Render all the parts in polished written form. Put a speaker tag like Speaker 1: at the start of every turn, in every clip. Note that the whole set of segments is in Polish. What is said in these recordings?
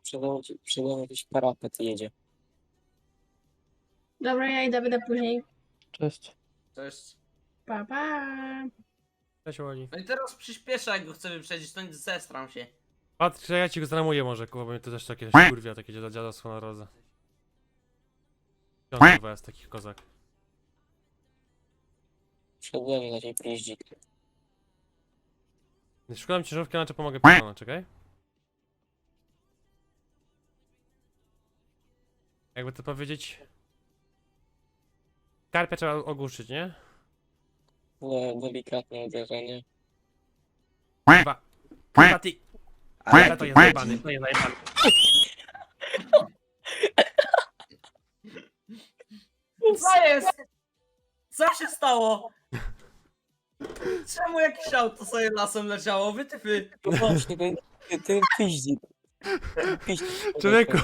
Speaker 1: Przede mną jakiś parapet jedzie.
Speaker 2: Dobra, ja idę, będę później.
Speaker 3: Cześć.
Speaker 4: Cześć.
Speaker 2: Pa, pa.
Speaker 3: Cześć Oli.
Speaker 4: No i teraz przyspieszę, jak go chcę wyprzedzić, to nie zestram się.
Speaker 3: Patrz, ja ci go zramuję może, kurwa, bo mnie to też takie kurwia, takie dziadostwo na drodze. On kurwa jest taki kozak.
Speaker 1: Przede mną jakiś piździk.
Speaker 3: Szukam ciężarówki, znaczy pomogę pokonać, czekaj. Jakby to powiedzieć... Karpia trzeba ogłuszyć, nie?
Speaker 1: Delikatne uderzenie.
Speaker 3: Kurwa. Kurwa ty! Ale to jest zajebany, to jest zajebany.
Speaker 4: Co jest? Co się stało? Czemu jakieś auto sobie lasem leciało? Wytyfy.
Speaker 1: No właśnie, ten piździk. Ten piździk.
Speaker 3: Człowieku!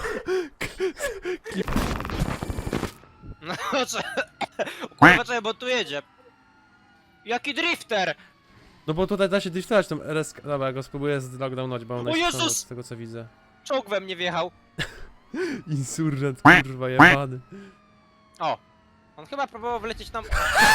Speaker 5: No co? Kurwa, czekaj, bo tu jedzie. Jaki drifter!
Speaker 3: No bo tutaj da się driftować tą RS... Dobra, ja go spróbuję zlockdownować, bo on
Speaker 5: O
Speaker 3: najszybciej
Speaker 5: Jezus!
Speaker 3: z tego co widzę.
Speaker 5: Czołg we mnie wjechał.
Speaker 3: Insurgent, kurwa, jebany.
Speaker 5: O! On chyba próbował wlecieć nam...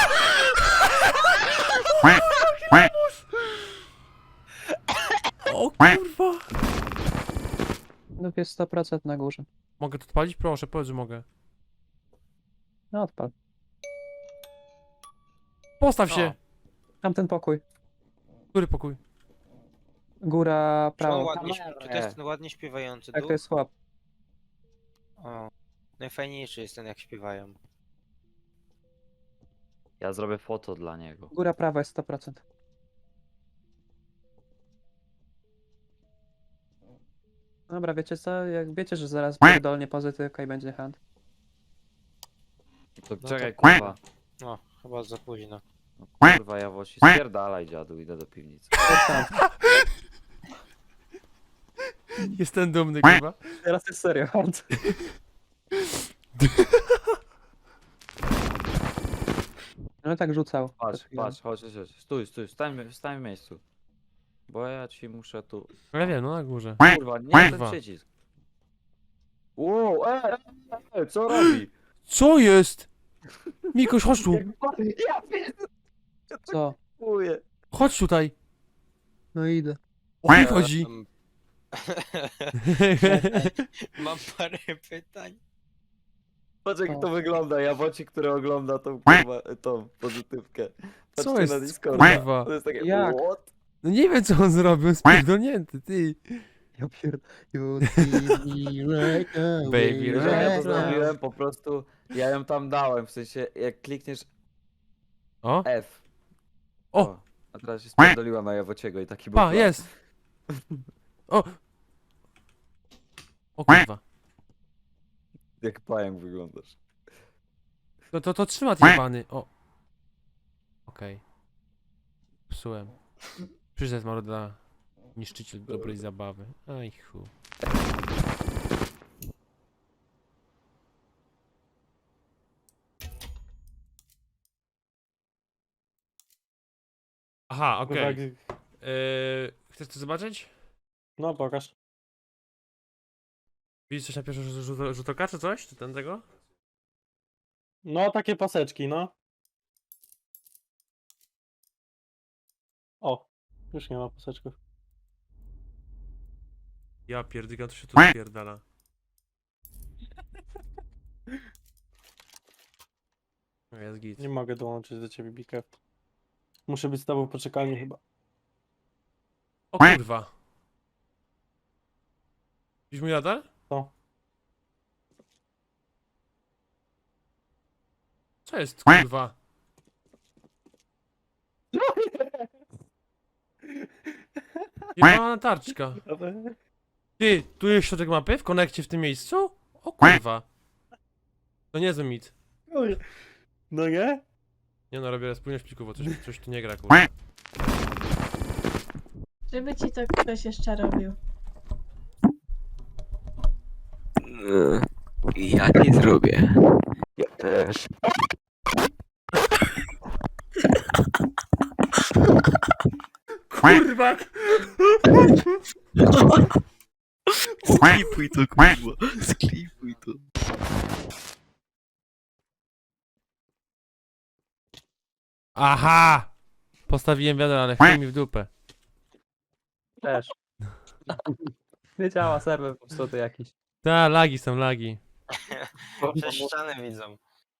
Speaker 3: O kurwa!
Speaker 6: No jest 100% na górze.
Speaker 3: Mogę to odpalić? Proszę, powiedz, że mogę.
Speaker 6: No odpal.
Speaker 3: Postaw się!
Speaker 6: Tamten pokój.
Speaker 3: Który pokój?
Speaker 6: Góra,
Speaker 5: Czy on
Speaker 6: prawo.
Speaker 5: ładnie, czy to jest ten ładnie śpiewający
Speaker 6: Tak,
Speaker 5: duch?
Speaker 6: to jest chłop.
Speaker 5: O. Najfajniejszy jest ten, jak śpiewają.
Speaker 7: Ja zrobię foto dla niego.
Speaker 6: Góra, prawo jest 100%. Dobra, wiecie co? Jak wiecie, że zaraz pierdolnie pozytywka i będzie hand.
Speaker 7: To
Speaker 5: No
Speaker 7: czekaj,
Speaker 5: to-
Speaker 7: kurwa.
Speaker 5: No, chyba za późno.
Speaker 7: No, kurwa, ja właśnie spierdalaj, dziadu, idę do piwnicy.
Speaker 3: Jestem dumny, kurwa.
Speaker 6: Teraz jest serio hand. No tak rzucał.
Speaker 7: Patrz,
Speaker 6: przed chwilą.
Speaker 7: patrz, chodź, stój, stań w miejscu. Bo ja ci muszę tu...
Speaker 3: Ja wiem, no na górze.
Speaker 7: Kurwa, nie ten
Speaker 3: Kurwa.
Speaker 7: przycisk. Wow, co robi?
Speaker 3: Co jest? Mikoś, chodź tu!
Speaker 7: Ja pierdolę,
Speaker 6: Co?
Speaker 3: Chodź tutaj!
Speaker 6: No idę.
Speaker 3: O chuj chodzi!
Speaker 5: Mam parę pytań.
Speaker 7: Patrz jak
Speaker 6: O.
Speaker 7: to wygląda, jabłocik, który ogląda tą kurwa, tą pozytywkę.
Speaker 3: Co
Speaker 7: Patrzcie
Speaker 3: jest,
Speaker 7: na Discorda.
Speaker 3: kurwa?
Speaker 7: To jest takie,
Speaker 6: Jak?
Speaker 7: what?
Speaker 3: No nie wiem co on zrobił, spierdolnięty, ty!
Speaker 6: Ja pierd... You see me right now,
Speaker 3: Baby,
Speaker 7: Wiesz, jak ja to
Speaker 3: right now.
Speaker 7: zrobiłem, po prostu ja ją tam dałem, w sensie jak klikniesz
Speaker 3: O!
Speaker 7: F.
Speaker 3: O!
Speaker 7: A teraz się spierdoliła na Jawociego i taki był
Speaker 3: Pa,
Speaker 7: plan.
Speaker 3: jest! O! O kurwa.
Speaker 7: Jak pająk wyglądasz.
Speaker 3: To trzyma ty jebany. O. Okej. Psułem. Przyszedł maruda. Niszczyciel dobrej zabawy. Aj chu. Aha, okej. Chcesz to zobaczyć?
Speaker 8: No pokaż.
Speaker 3: Widzisz coś na pierwszy rzut oka, czy coś? Czy ten tego?
Speaker 8: No takie paseczki, no. O, już nie ma paseczków.
Speaker 3: Ja pierdolę, to się tu spierdala. No jest git.
Speaker 8: Nie mogę dołączyć do ciebie, Bikew. Muszę być z tobą w poczekalni chyba.
Speaker 3: O kurwa. Widzisz mój radar?
Speaker 8: Co?
Speaker 3: Co jest kurwa? Jebana tarczka. Ty, tu jest środek mapy? W konekcie w tym miejscu? O kurwa. To niezły mit.
Speaker 8: No nie?
Speaker 3: Nie no, robię spójność plików, bo coś tu nie gra kurwa.
Speaker 2: Żeby ci to ktoś jeszcze robił.
Speaker 1: Ja nie zrobię. Ja też.
Speaker 3: Kurwa!
Speaker 9: Sklipuj to, kurwa. Sklipuj to.
Speaker 3: Aha! Postawiłem wiadro, ale chuj mi w dupę.
Speaker 6: Też. Nie działa serwer popsuty jakiś.
Speaker 3: Ta, lagi są, lagi.
Speaker 5: Przez ścianę widzą.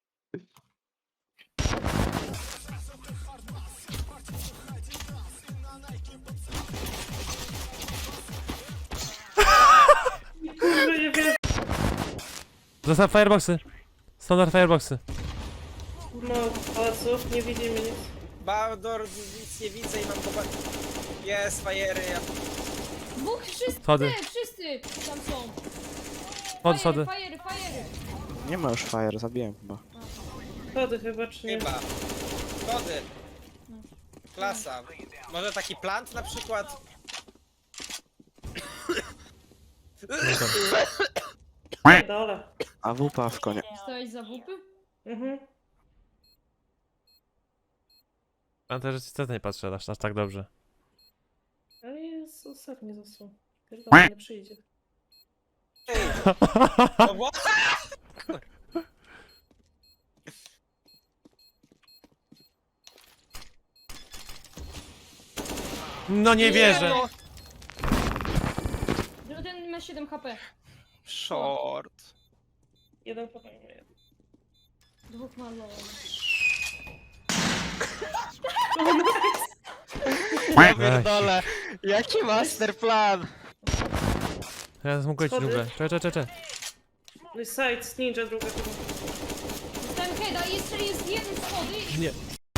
Speaker 3: Zostaw fireboxy. Standard fireboxy.
Speaker 2: No, pałaców, nie widzimy nic.
Speaker 5: Baldor, nic nie widzę i mam popatrz. Jest, fajery.
Speaker 10: Dwóch, wszyscy,
Speaker 3: Schody.
Speaker 10: wszyscy tam są.
Speaker 3: Schody, schody.
Speaker 10: Fajery.
Speaker 9: Nie ma już fire, zabiłem chyba.
Speaker 2: Schody chyba, czy nie?
Speaker 5: Chyba. Schody. Klasa. Może taki plant na przykład?
Speaker 2: Dole.
Speaker 9: A wupa w konie.
Speaker 10: Stałeś za wupy?
Speaker 2: Mhm.
Speaker 3: A też nic nie patrzę aż tak dobrze.
Speaker 2: Ale jest ostatni zasłon. Pierdolę, nie przyjdzie.
Speaker 5: No bo...
Speaker 3: No nie wierzę.
Speaker 10: No, ten ma 7 HP.
Speaker 5: Short.
Speaker 2: Jeden popełnił.
Speaker 10: Dwóch ma low.
Speaker 5: Ja pierdolę. Jaki masterplan?
Speaker 3: Ja mógł być
Speaker 2: Schody.
Speaker 3: dżunglę. Czekaj.
Speaker 2: No i sides, ninja druga chyba.
Speaker 10: Dostałem heada i jeszcze jest jeden schody.
Speaker 3: Nie.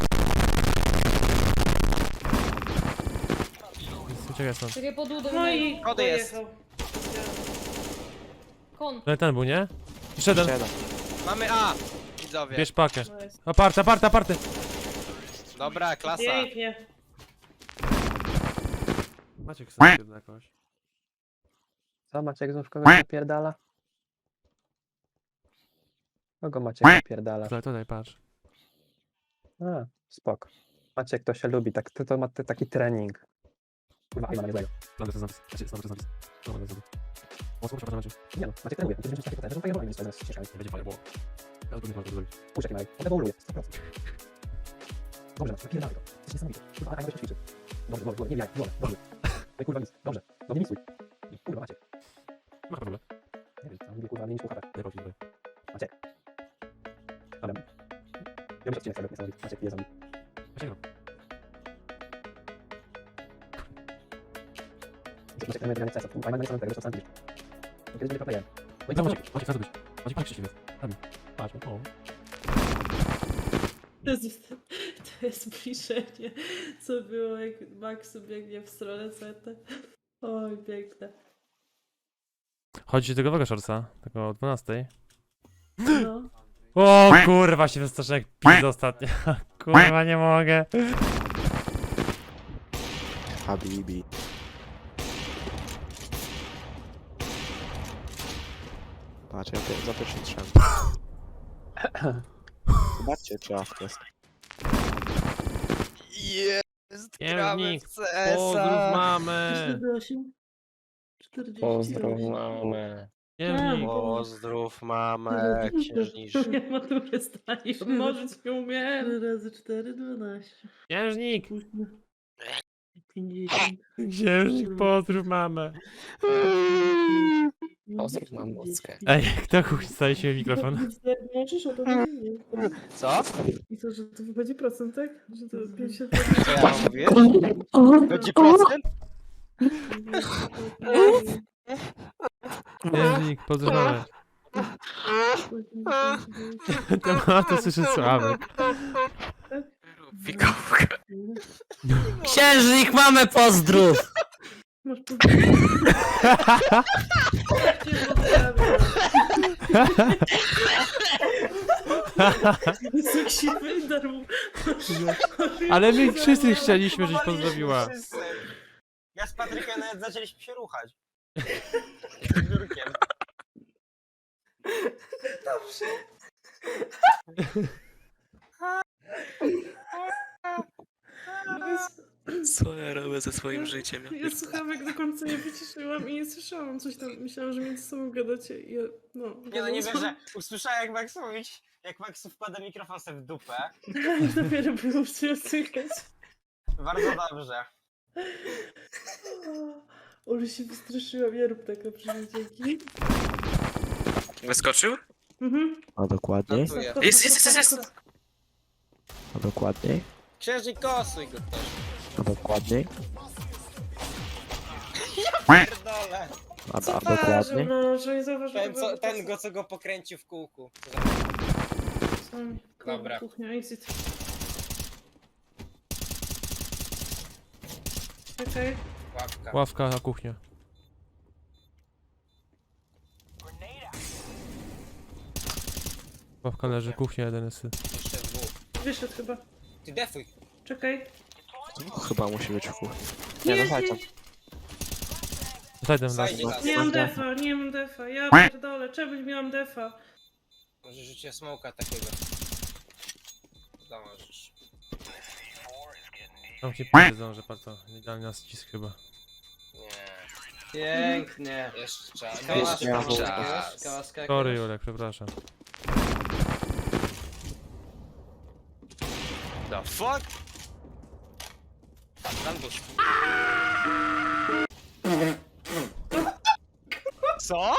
Speaker 3: Uciekaj stąd.
Speaker 10: Czekaj, pod udem.
Speaker 2: No i
Speaker 5: Schody jest.
Speaker 2: pojechał.
Speaker 10: Kon.
Speaker 3: Ale ten był, nie? Jeszcze jeden.
Speaker 9: Siedem.
Speaker 5: Mamy A. Widzowie.
Speaker 3: Bierz pakę.
Speaker 2: Nice.
Speaker 3: Aparte.
Speaker 5: Dobra, klasa.
Speaker 2: Pięknie.
Speaker 3: Maciek sobie jakąś.
Speaker 6: Co, Maciek znów kogoś napierdala? Kogo Maciek napierdala?
Speaker 3: Tutaj patrz.
Speaker 6: A, spoko. Maciek to się lubi, tak, to ma taki trening. Kurwa, nie ma niezłego. Nie no, Maciek trenuje, to będzie taki potem, że fajnie robi, z ścieżkami. Będzie fajnie, bo... Puść jaki Marek, on ewoluuje, 100%. Dobrze, napierdalaj go, to jest niesamowite. Kurwa, a jak ćwiczy. Dobrze, nie bijaj, dobrze. No kurwa nic, dobrze, no nie misuj. Kurwa, Maciek.
Speaker 3: Ma problem.
Speaker 6: Nie wiem, tam mówię, kurwa, nie misuj HP. Maciek. Dobra. Ja muszę odcinek sobie niesamowity, Maciek pije zombie. Maciek trenuje tego CS-a, kurwa, nie tego, że sam widzisz. Kiedyś będzie proplayem. No i co, Maciek,
Speaker 3: Maciek, co zrobić? Maciek, patrz, Krzysiek jest. Patrz, o.
Speaker 2: To jest bliżenie, co było jak Maxu biegnie w stronę seta. Oj, piękne.
Speaker 3: Chodzi ci tego shortsa, tego o 12.
Speaker 2: No.
Speaker 3: O kurwa, się wystraszyłem jak pizza ostatnio. Kurwa, nie mogę.
Speaker 9: Habibi. Patrz, ja za pierwszym strzem. Zobaczcie, czy awk jest.
Speaker 5: Jest,
Speaker 3: Księżnik,
Speaker 5: gramy w CS-a.
Speaker 3: Pozdrów mamę.
Speaker 2: 48? 40.
Speaker 6: mamę.
Speaker 3: Księżnik.
Speaker 5: Pozdrów mamę, księżniczkę.
Speaker 2: Ja maturę zdanie, mnożyć nie umiem. 4 razy 4, 12.
Speaker 3: Księżnik.
Speaker 2: 50.
Speaker 3: Księżnik, pozdrów mamę.
Speaker 6: Pozdrów mamockę.
Speaker 3: Ej, kto chuj staje się mikrofon?
Speaker 2: Możesz o to powiedzieć.
Speaker 5: Co?
Speaker 2: I to, że to wychodzi procent, tak? Że to 50.
Speaker 5: Co ja mam mówić? Będzie procent?
Speaker 3: Księżnik, pozdrów mamę. To słyszę Sławek.
Speaker 5: Fikówka.
Speaker 1: Księżnik, mamy pozdrów!
Speaker 2: Masz powiedzieć. Seksimy darmo.
Speaker 3: Ale my wszyscy chcieliśmy, żebyś pozdrowiła.
Speaker 5: Wszyscy. Ja z Patrykiem nawet zaczęliśmy się ruchać. Biurkiem.
Speaker 1: Co ja robię ze swoim życiem?
Speaker 2: Ja słuchałam jak do końca nie wyciszyłam i nie słyszałam coś tam. Myślałam, że między sobą gadacie i ja, no...
Speaker 5: Nie no, nie
Speaker 2: gadałam.
Speaker 5: wierzę. Usłyszałem jak Max mówić, jak Max wkłada mikrofon sobie w dupę.
Speaker 2: Dopiero było się słychać.
Speaker 5: Bardzo dobrze.
Speaker 2: Ole się wystraszyłam, ja rób tak dobrze, dzięki.
Speaker 1: Wyskoczył?
Speaker 2: Mhm.
Speaker 9: A dokładniej?
Speaker 5: Notuję.
Speaker 1: Jest.
Speaker 9: A dokładniej?
Speaker 5: Księżnik kosuj go też.
Speaker 9: A dokładniej?
Speaker 5: Pierdolę.
Speaker 9: A
Speaker 2: Co
Speaker 9: dokładniej?
Speaker 2: no, że nie zauważyłem.
Speaker 5: Co go pokręcił w kółku.
Speaker 2: Dobra. Kuchnia, exit. Czekaj.
Speaker 5: Łapka.
Speaker 3: Ławka na kuchnię. Ławka leży, kuchnia jeden jest.
Speaker 5: Jeszcze dwóch.
Speaker 2: Wyszedł chyba.
Speaker 5: Ty defuj.
Speaker 2: Czekaj.
Speaker 9: Chyba musi być w kuchni.
Speaker 2: Nie,
Speaker 9: Nie, no
Speaker 2: nie,
Speaker 9: chodź tam.
Speaker 3: Zajdę las.
Speaker 5: Zajdzie las.
Speaker 2: nie mam defa, nie mam defa. Ja pierdolę, czemuś miałam defa.
Speaker 5: Może rzucić smoka takiego. Zdążysz.
Speaker 3: Tam ci powiedzą, że bardzo idealny nas ścisk chyba.
Speaker 5: Nie.
Speaker 4: Pięknie.
Speaker 5: Jeszcze czas.
Speaker 9: Jeszcze miałem
Speaker 4: Kałaska
Speaker 3: Sorry Julek, przepraszam.
Speaker 5: The fuck? Tam dusz. Co?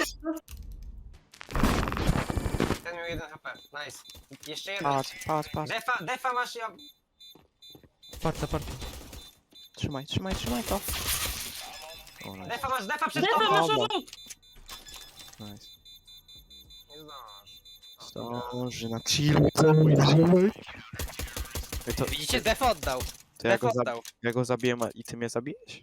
Speaker 5: Ten miał 1 HP. Nice. Jeszcze jeden.
Speaker 9: Patrz.
Speaker 5: Defa masz ja.
Speaker 3: Parta.
Speaker 9: Trzymaj to. O, nice.
Speaker 5: Defa przed
Speaker 2: Defa
Speaker 5: tobą.
Speaker 2: masz
Speaker 9: Dobra.
Speaker 2: obok!
Speaker 9: Nice.
Speaker 5: Nie zdążysz.
Speaker 9: Zdąży na chillu. To
Speaker 5: Widzicie, def oddał.
Speaker 9: ja go zabiję i ty mnie zabijesz?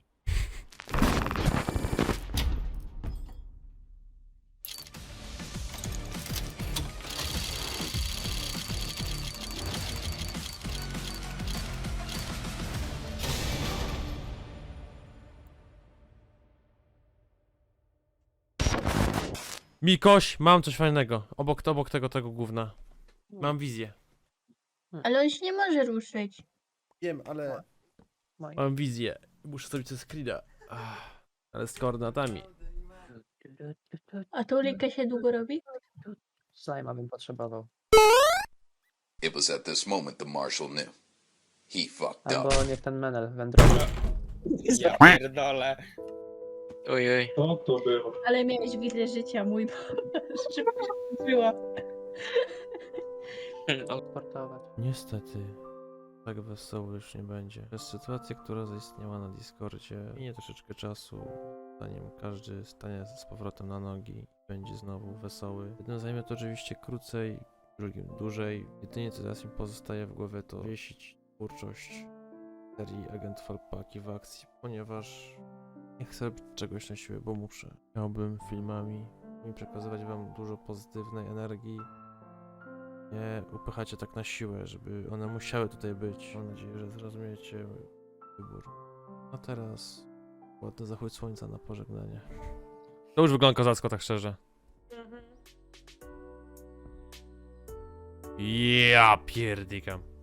Speaker 3: Mikoś, mam coś fajnego. Obok tego gówna. Mam wizję.
Speaker 10: Ale on się nie może ruszyć.
Speaker 3: Wiem, ale... Mam wizję. Muszę zrobić coś screena. Ale z koordynatami.
Speaker 10: A to linkę się długo robi?
Speaker 6: Slajma bym potrzebował.
Speaker 11: It was at this moment the marshal knew. He fucked up.
Speaker 6: Albo niech ten menel wędruje.
Speaker 5: Ja pierdolę.
Speaker 1: Ojej.
Speaker 10: Ale miałeś widzę życia, mój żeby była.
Speaker 6: Sportować.
Speaker 3: Niestety, tak wesoło już nie będzie. Przez sytuację, która zaistniała na Discordzie, minie troszeczkę czasu, zanim każdy stanie z powrotem na nogi i będzie znowu wesoły. Jednym zajmie to oczywiście krócej, drugim dłużej. Jedynie co teraz mi pozostaje w głowie to wiesić twórczość serii Agent Falpaki w akcji, ponieważ nie chcę robić czegoś na siłę, bo muszę. Chciałbym filmami przekazywać wam dużo pozytywnej energii, nie upychać je tak na siłę, żeby one musiały tutaj być. Mam nadzieję, że zrozumiecie mój wybór. A teraz ładny zachód słońca na pożegnanie. To już wygląda kozacko, tak szczerze. Ja pierdykam.